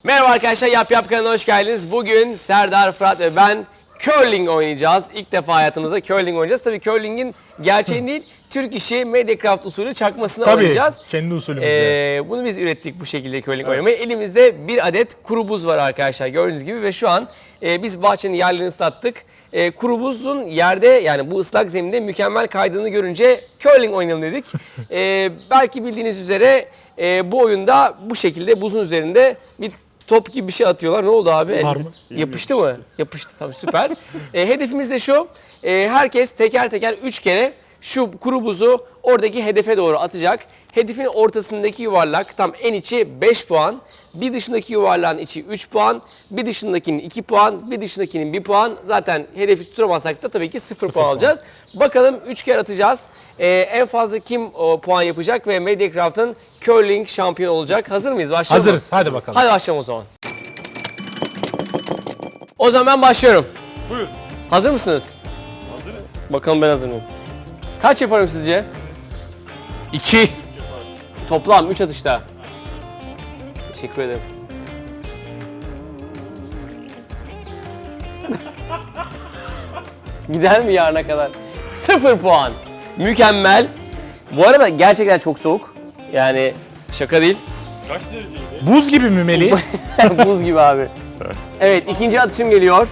Merhaba arkadaşlar, Yap Yap kanalına hoş geldiniz. Bugün Serdar, Fırat ve ben curling oynayacağız. İlk defa hayatımızda curling oynayacağız. Tabii curling'in gerçeğini değil, Türk işi Mediacraft usulü çakmasını oynayacağız. Tabii, kendi usulümüzde. Bunu biz ürettik bu şekilde curling oynamayı. Elimizde bir adet kuru buz var arkadaşlar gördüğünüz gibi ve şu an biz bahçenin yerlerini ıslattık. Kuru buzun yerde, yani bu ıslak zeminde mükemmel kaydığını görünce curling oynayalım dedik. Belki bildiğiniz üzere bu oyunda bu şekilde buzun üzerinde bir top gibi bir şey atıyorlar. Ne oldu abi? Var mı? Yapıştı mı? Yapıştı. Tamam, süper. Hedefimiz de şu. Herkes teker teker 3 kere şu kuru buzu oradaki hedefe doğru atacak. Hedefin ortasındaki yuvarlak tam en içi 5 puan. Bir dışındaki yuvarlağın içi 3 puan. Bir dışındakinin 2 puan. Bir dışındakinin 1 puan. Zaten hedefi tutamazsak da tabii ki 0 puan alacağız. Bakalım 3 kere atacağız. En fazla kim puan yapacak ve Mediacraft'ın curling şampiyonu olacak. Hazır mıyız? Başlayalım mı? Hazırız. Hadi bakalım. Hadi başlayalım o zaman. O zaman ben başlıyorum. Buyur. Hazır mısınız? Hazırız. Bakalım ben hazır mıyım? Kaç yaparım sizce? 2. Toplam 3 atışta. Teşekkür ederim. Gider mi yarına kadar? 0 puan. Mükemmel. Bu arada gerçekten çok soğuk. Yani şaka değil. Kaç dereceydi? Buz gibi mi Melih? Buz gibi abi. Evet, ikinci atışım geliyor.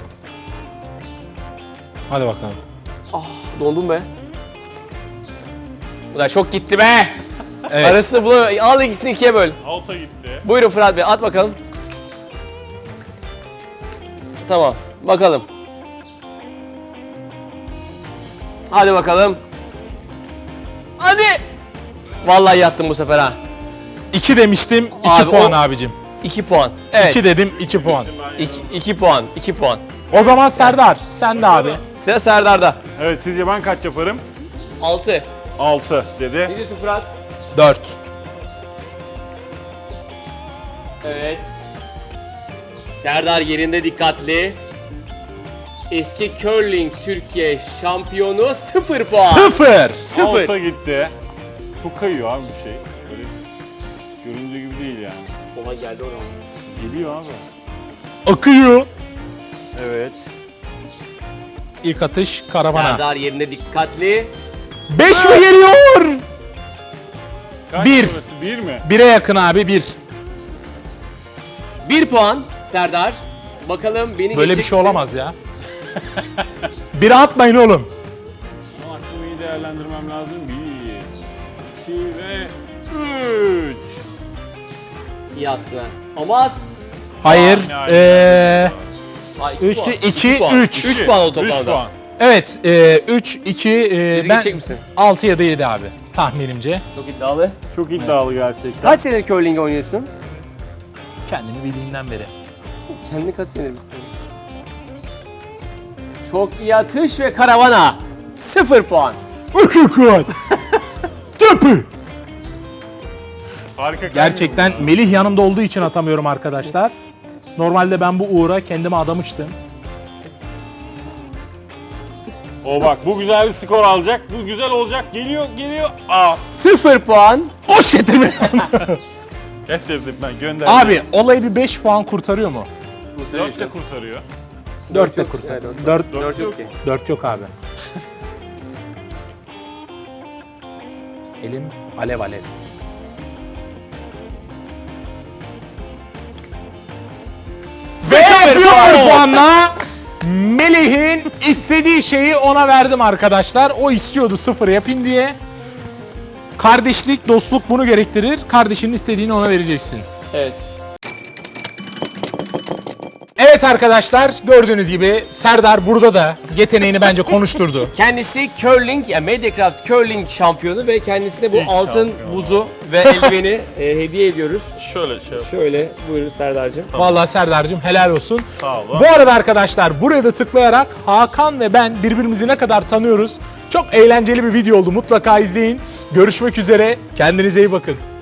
Hadi bakalım. Dondum be. Ulan çok gitti be. Evet. Arasını bulamıyorum. Al ikisini ikiye böl. Alta gitti. Buyurun Fırat Bey, at bakalım. Tamam, bakalım. Hadi bakalım. Hadi. Vallahi yattım bu sefer ha. 2 demiştim. 2 Abi, puan o- abicim. 2 puan. Evet. 2 dedim. 2 puan. 2 puan. 2 puan. O zaman Serdar sen de abi. Sıra Serdar'da. Evet, sizce ben kaç yaparım? 6. 6 dedi. Ne diyorsun Fırat? 4. Evet. Serdar yerinde dikkatli. Eski curling Türkiye şampiyonu 0 puan. 0. 0. Alta gitti. Çok kayıyor abi bu şey. Böyle göründüğü gibi değil yani. Oha geldi oraya. Geliyor abi. Akıyor. Evet. İlk atış karavana. Serdar yerinde dikkatli. 5 mi geliyor? Kaç Bir. burası? 1 mi? 1'e yakın abi 1. 1 puan Serdar. Bakalım beni Böyle bir geçecek şey misin? olamaz ya. 1'e atmayın oğlum. Son hakkımı iyi değerlendirmem lazım. 1, 2 ve 3. İyi attın ha. Ama Hayır. Yani. 3, 2, 3. 3 puan oldu 3 toplamda. puan. Evet. 3, 2. Bizi Ben geçecek misin? 6 ya da 7 abi. Tahminimce. Çok iddialı. Çok iddialı gerçekten. Kaç senedir curling oynuyorsun? Kendimi bildiğimden beri. Kendi kaç senedir? Çok iyi atış ve karavana. 0 puan. Harika. Gerçekten Melih yanımda olduğu için atamıyorum arkadaşlar. Normalde ben bu uğra kendime adamıştım. O bak, bu güzel bir skor alacak. Bu güzel olacak. Geliyor. Aa. 0 puan. Hoş getirme. Getirdim ben, gönderdim. Abi olayı bir 5 puan kurtarıyor mu? 4 de kurtarıyor. 4 de kurtarıyor. 4 4 yok ki. 4 yok abi. Elim alev alev. Ve 0 puanla Melih'in istediği şeyi ona verdim arkadaşlar. O istiyordu 0 yapayım diye. Kardeşlik, dostluk bunu gerektirir. Kardeşinin istediğini ona vereceksin. Evet. Evet arkadaşlar, gördüğünüz gibi Serdar burada da yeteneğini bence konuşturdu. Kendisi curling, yani Mediacraft curling şampiyonu ve kendisine bu İlk altın şampiyon. buzu ve eldiveni hediye ediyoruz. Şöyle şey yap. Şöyle buyurun Serdar'cığım. Vallahi Serdar'cığım helal olsun. Sağ ol. Bu arada arkadaşlar buraya da tıklayarak Hakan ve ben birbirimizi ne kadar tanıyoruz. Çok eğlenceli bir video oldu. Mutlaka izleyin. Görüşmek üzere. Kendinize iyi bakın.